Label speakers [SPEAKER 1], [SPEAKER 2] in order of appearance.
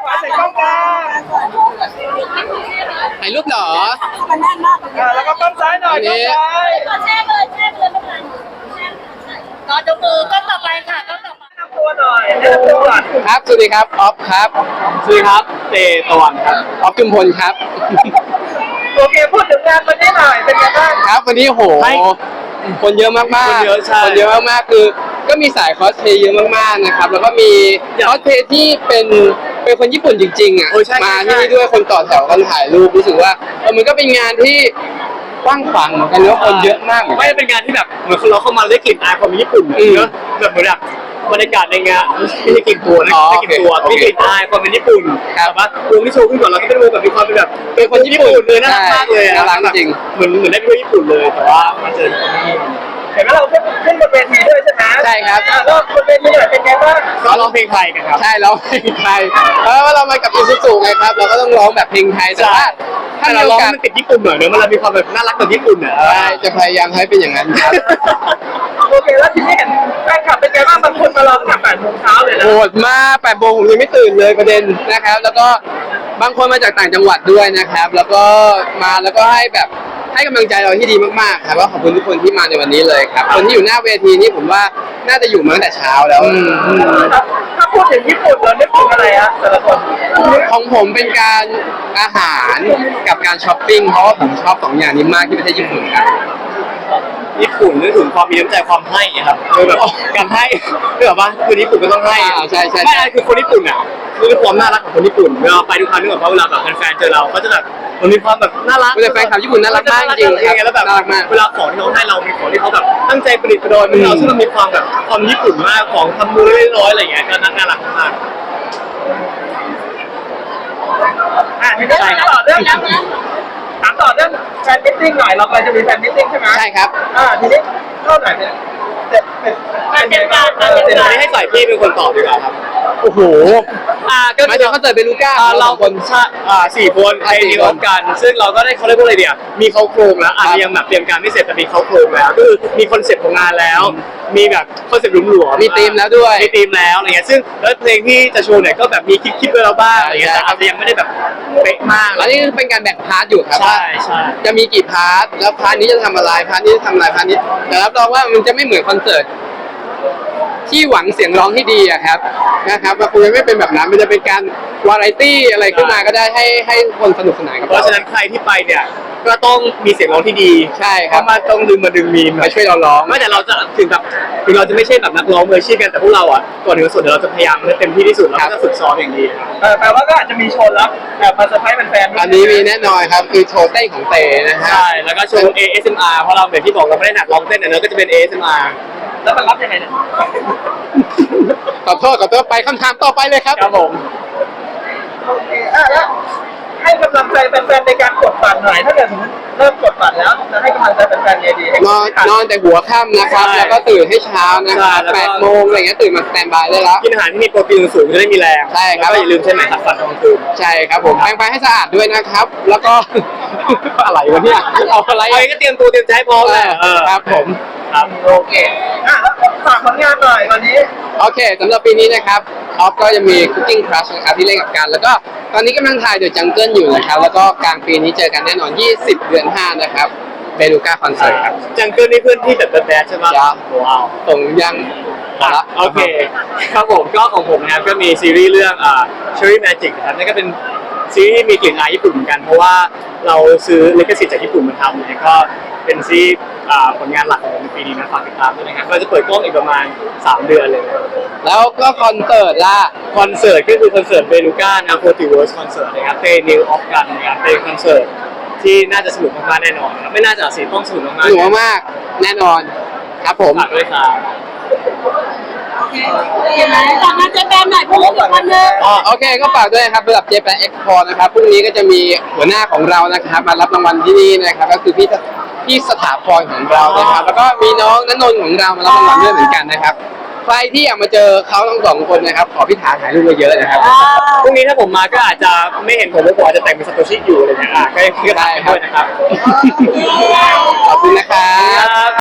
[SPEAKER 1] ขวาใส่กล้องกลาง
[SPEAKER 2] ถ่ายรูปเหรอ
[SPEAKER 1] แล้วก็กล้องซ้ายหน่อยกล้องซ้าย
[SPEAKER 3] แช่เลยไม่เป็นไรรอดูมือก็ต่อไปค่ะก็ต่อไป
[SPEAKER 1] แนะนำตัวหน่อยแนะนำตัวก่อน
[SPEAKER 2] ครับสวัสดีครับออฟครับสวัสดีครับเตตะวันครับออฟจุมพลครับ
[SPEAKER 1] โอเคพูดถึงงานวันนี้หน่อยเป็นไงบ้าง
[SPEAKER 2] ครับวันนี้โหคนเยอะมากๆ
[SPEAKER 4] คนเยอะใช่
[SPEAKER 2] คนเยอะมากๆคือก็มีสายคอสเพลย์เยอะมากๆนะครับแล้วก็มีคอสเพลย์ที่เป็นคนญี่ปุ่นจริงๆอ่ะ
[SPEAKER 4] โอ้ใช่
[SPEAKER 2] มา
[SPEAKER 4] ใช่
[SPEAKER 2] ที่นี่ด้วยคนต่อแถวกันถ่ายรูปรู้สึกว่ามันก็เป็นงานที่กว้างขวางเหมือนกันแล้วคนเยอะมากเหมือน
[SPEAKER 4] ไม่
[SPEAKER 2] กัน
[SPEAKER 4] ได้เป็นงานที่แบบเหมือนเราเข้ามาได้กลิ่นอายความเป็นญี่ปุ่น
[SPEAKER 2] อืม
[SPEAKER 4] เนอะแบบเหมือนแบบบรรยากาศในงานไม่ใช่กลิ่นตัวนะ
[SPEAKER 2] อ๋อ
[SPEAKER 4] ไม่ใช่กลิ่นตัว
[SPEAKER 2] โอเค
[SPEAKER 4] มีกลิ่นอายความเป็นญี่ปุ่น
[SPEAKER 2] ครับ
[SPEAKER 4] แต่ว่าวงที่โชว์ขึ้นก่อนเราก็เป็นวงแบบมีความเป็นแบบ
[SPEAKER 2] เป็นคนญี่ปุ่น
[SPEAKER 4] เลยน่ารักมากเลยอะ
[SPEAKER 2] น่ารักจริง
[SPEAKER 4] เหมือนได้ไปเที่ยวญี่ปุ่นเลยแต่ว่ามาเจอคนที่
[SPEAKER 1] เห็นไหมเราขึ้นบนเวทีด้วยใช่ไหม
[SPEAKER 2] ใช่ครับ
[SPEAKER 1] ก็บนเวทีหน่อยเป็นไงบ้าง
[SPEAKER 4] ก็ร้องเพลงไทยกันครับ
[SPEAKER 2] ใช่ร้องเพลงไทยเพราะว่าเรามากับอิซูซุไงครับเราก็ต้องร้องแบบเพลงไทยแต่ว่าถ้า
[SPEAKER 4] แต่
[SPEAKER 2] มี
[SPEAKER 4] เรา
[SPEAKER 2] โอ
[SPEAKER 4] ร้อง
[SPEAKER 2] กาส
[SPEAKER 4] มันติดญี่ปุ่นหน่อยเนอะมันมีความแบบน่ารักแบบญี่ปุ่นอ่ะ
[SPEAKER 2] ใช่จะพยายามให้เป็นอย่างนั้นครับ
[SPEAKER 1] โอเคแล้วทีนี้เห็นแฟนคลับเป็นไงบ้างบางคนมารอตั้งแต่8 โมงเช้าเลยนะ
[SPEAKER 2] โหดมาก8 โมงผมยังไม่ตื่นเลยประเด็นนะครับ แล้วก็บางคนมาจากต่างจังหวัดด้วยนะครับ แล้วก็มาแล้วก็ให้กำลังใจเราที่ดีมากๆครับก็ขอบคุณทุกคนที่มาในวันนี้เลยครับคนที่อยู่หน้าเวทีนี่ผมว่าน่าจะอยู่มาตั้งแต่เช้าแล้ว
[SPEAKER 1] ถ้าพูดถึงญี่ปุ่นเรานึกถึงอะไรฮะแต่ละคน
[SPEAKER 2] ของผมเป็นการอาหารกับการช้อปปิ้งเพราะว่าผมชอบ2อย่างนี้มากที่ประเทศญี่ปุ่นครับ
[SPEAKER 4] ญี่ปุ่นนึกถึงความมีน้ำใจความให้อะครับคือแบบการให้คือแบบว่าคือญี่ปุ่นก็ต้องให้อะ
[SPEAKER 2] ใช่ใช่
[SPEAKER 4] ไม่อะไรคือคนญี่ปุ่นอ่ะคือความน่ารักของคนญี่ปุ่นเวลาไปทุกครั้งนึกว่าเวลาแบบแฟนๆเจอเราเขาจะแบบมันมีความแบบน่ารัก
[SPEAKER 2] แต่แฟนคลับญี่ปุ่นน่ารักมากจริงๆครับ
[SPEAKER 4] แล้วแบบ
[SPEAKER 2] น่ารักมาก
[SPEAKER 4] เวลาของที่เขาให้เรามีของที่เขาแบบตั้งใจประดิษฐ์ประดอยเราซึ่งมันมีความแบบความญี่ปุ่นมากของทำมือเล็กๆน้อยๆอะไรอย่างเงี้ยก็น่ารักมาก
[SPEAKER 1] ทีนี้ถามต่อเรื่องแฟนมิทติ้งหน่อยเรากำลังจะมีแฟนมิทติ้งใช่ไหม
[SPEAKER 2] ใช่ครับ
[SPEAKER 1] ทีนี้เท่าไหร่เป็นไงบ้าง
[SPEAKER 4] ๆอันนี้ให้ฝ่ายพี่เป็นคนตอบดีกว่าครับ
[SPEAKER 2] โอ้โห
[SPEAKER 4] ก็
[SPEAKER 2] มาจากคอนเสิร์ตเบลูก้า
[SPEAKER 4] เรา
[SPEAKER 2] คน
[SPEAKER 4] สี่คนไป
[SPEAKER 2] สี่
[SPEAKER 4] ดี
[SPEAKER 2] คน
[SPEAKER 4] พร้อมกัน ซึ่งเราก็ได้เขาเรียกว่าอะไรเดียวมีเขาโครงแล้วอาจจะยังแบบเตรียมการไม่เสร็จแต่มีเขาโครงแล้วก็คือมีคอนเซ็ปต์ของงานแล้ว มีแบบคอนเซ็ปต์หลวมๆ
[SPEAKER 2] มีธีมแล้วด้วย
[SPEAKER 4] มีธีมแล้วอะไรเงี้ยซึ่งแล้วเพลงที่จะโชว์เนี่ยก็แบบมีคิดไว้แล้วบ้างอะไรเงี้ยแต่อาจจะยังไม่ได้แบบเป๊ะมาก
[SPEAKER 2] อันนี้เป็นการแบ่งพาร์ทอยู่ครับ
[SPEAKER 4] ใช่ใช่
[SPEAKER 2] จะมีกี่พาร์ทแล้วพาร์ทนี้จะทำอะไรพาร์ทนี้จะทำอะไรพาร์ทนี้แต่รับรองว่ามันจะไม่เหมือนคอนเสิร์ตที่หวังเสียงร้องที่ดีอะครับนะครับมันคงจะไม่เป็นแบบนั้นมันจะเป็นการวาไรตี้อะไรขึ้นมาก็ได้ให้คนสนุกสนานกับ
[SPEAKER 4] เพราะฉะนั้นใครที่ไปเนี่ยก็ต้องมีเสียงร้องที่ดี
[SPEAKER 2] ใช่
[SPEAKER 4] เพ
[SPEAKER 2] ครับ
[SPEAKER 4] ราะมาต้องดึงมีม
[SPEAKER 2] มาช่วยเราร้อง
[SPEAKER 4] ไม่แต่เราจะถึงเราจะไม่ใช่แบบนักร้องมืออาชีพกันแต่พวกเราอ่ะก่อนถึงส่วนเดี๋ยวเราจะพยายามให้เต็มที่ที่สุดเราก็จะฝึกซ้อมอย่างดี
[SPEAKER 1] แปลว่าก็อาจจะมีโชว์ลับแบบมาเซอร์ไพรส์แฟนๆ
[SPEAKER 2] อันนี้มีแน่นอนครับคือโชว์เต้นของเตนะฮะ
[SPEAKER 4] ใช่แล้วก็โชว์ ASMR เพราะเราแบบที่บอกเราไม่ได้หนักร้องเต้นแต่เนื้อะก็จะเป็น ASMR
[SPEAKER 1] แล้วมันรับยังไงเนี่ย
[SPEAKER 2] ขอโทษไปคำถามต่อไปเลยครับ
[SPEAKER 4] ครับผม
[SPEAKER 1] โอเคแล้วให้กำลังใจแฟนๆในการกดบัตรหน่อยถ้าเกิดสมมติเริ่มกดบัตรแล้วจะให้กำลังใจแฟนๆไงดีให้
[SPEAKER 2] นอนแต่หัวค่ำนะครับ แล้วก็ตื่นให้เช้านะครับ8 โมงอะไรเงี้ยตื่นมาสแตนบายได้แล้ว
[SPEAKER 4] กินอาหารที่มีโปรตีนสูงจะได้มีแรง
[SPEAKER 2] ใช่ครับ
[SPEAKER 4] แล้วก็อย่าลืมใช้ไหมขัดฟันตอนกลางคืน
[SPEAKER 2] ใช่ครับผมแปรงฟันให้สะอาดด้วยนะครับ แล้วก็ อะไรวะเนี่ยเอาอะไร
[SPEAKER 4] อะไรก็เตรียมตัวเตรียมใจให้พร้อมแหละ
[SPEAKER 2] ครับผม
[SPEAKER 4] ครับ
[SPEAKER 1] โอเคแล้วฝากผลงานหน่อยตอนนี้
[SPEAKER 2] โอเคสำหรับปีนี้นะครับออฟก็จะมี Cooking Crush นะครับที่เล่นกับกัน แล้วก็ตอนนี้กำลังถ่าย The Jungle อยู่นะครับ แล้วก็กลางปีนี้เจอกันแน่นอน 20 เดือน 5 นะครับเบลูก้าคอนเสิร์ตครับ
[SPEAKER 4] จังเกิลนี่เพื่อนที่แบบแบดใช่ไหม
[SPEAKER 2] ครับ
[SPEAKER 4] ว้าว
[SPEAKER 2] ส่งยังละ
[SPEAKER 4] โอเคครับผมก็ของผมนะครับก็มีซีรีส์เรื่องCherry Magic นะครับนั่นก็เป็นซีรีส์ที่มีกลิ่นอายญี่ปุ่นเหมือนกันเพราะว่าเราซื้อลิขสิทธิ์จากญี่ปุ่นมาทำเนี่ยก็เป็นซีรีส์ผลงานหลักของผมในปีนี้นะฝากติดตามด้วยนะครับก็จะเปิดกล้องอีกประมาณ3 เดือนเลย
[SPEAKER 2] แล้วก็คอนเสิร์ตล่ะ
[SPEAKER 4] คอนเสิร์ตก็คือคอนเสิร์ตเบลูก้านะโ o ติเวิร์สคอนเสิร์ตนะครับเตนิวออฟกันนะครับเป็นคอนเสิร์ตที่น่าจะสนุกมากๆแน่นอนครับไม่น่าจะสิต้องสนุกมาก
[SPEAKER 2] หนูมากแน่นอนครับผม
[SPEAKER 4] ฝากด้วยครับ
[SPEAKER 3] ฝากงานเจแปนหน่อยพูดอีกคนนึง
[SPEAKER 2] โอเคก็ฝากด้วยนะครับสำหรับ Japan Expo นะครับพรุ่งนี้ก็จะมีหัวหน้าของเรานะครับมารับรางวัลที่นี่นะครับก็คือพี่สถาพรของเรานะครับแล้วก็มีน้องณนนท์ของเรามารับรางวัลด้วยเหมือนกันนะครับใครที่อยากมาเจอเขาทั้งสองคนนะครับขอพี่ถาถ่ายรูปมาเยอะนะครับ
[SPEAKER 4] พรุ่งนี้ถ้าผมมาก็อาจจะไม่เห็นผมเพราะผมอาจจะแต่งเป็นซาโตชิอยู่อะไรเงี้ยก็ยังได้ด้วยนะครับ
[SPEAKER 2] ขอบคุณนะครับ